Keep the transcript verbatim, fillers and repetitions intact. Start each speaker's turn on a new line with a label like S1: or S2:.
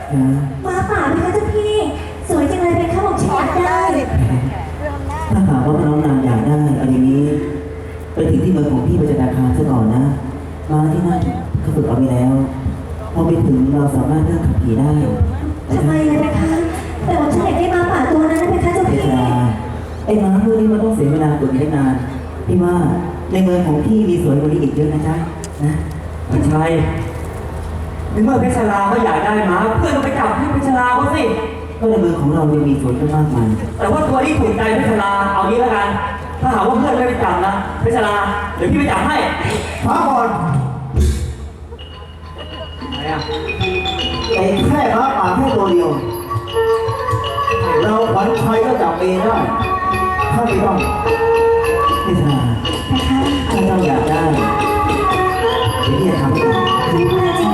S1: ม้าป่าไหมคะเจ้าพี่สวยจังเลยเป็นข้าวของฉันอยากได้
S2: ถ้าหากว่าน้องนางอยากได้เอาอย่างนี้ไปถึงที่เมืองของพี่ประจันตคามซะก่อนนะมาที่นั่นเขาฝึกเอาไปแล้วพอไปถึงเราสามารถเลือกขับขี่ได้
S1: ทำไมเลยนะคะแต่ว่าฉันอยากได้ม้าป่าตัวนั้นนะเป็นคะเจ้า
S2: เว
S1: พี่
S2: ลาไอ้ม้าพวกนี้มันต้องเสียเวลากว่านี้นานพี่ว่าในเมืองของพี่มีสวยกว่านี้อีกเยอะนะจ๊ะนะ
S3: ไม่ใช่ในเมื่อเพชรลาเขาอยากได้มาเพื่อนก็ไปจับให้เพชรลาเขาสิ
S2: ก็ในเมืองของเรายังมีสวนตั้งมากมาย
S3: แต่ว่าตัวที่ถูกใจเพชรลาเอางี้แล้วกัน ถ้าหากว่าเพื่อนไม่ไปจับนะเพชรลาเดี๋ยวพี่ไปจับให้
S4: พักก่อน
S3: ไหนอ่ะ
S4: ไอ้แค่ม้าป่าแค่ตัวเดียว เราขวัญชัยก็จับเองได้ถ้าไม่ต้อง
S2: พิธา
S1: นะคะ
S2: ถ้าเราอยากได้เดี๋ยวพี่จะทำให้ดู
S1: จริง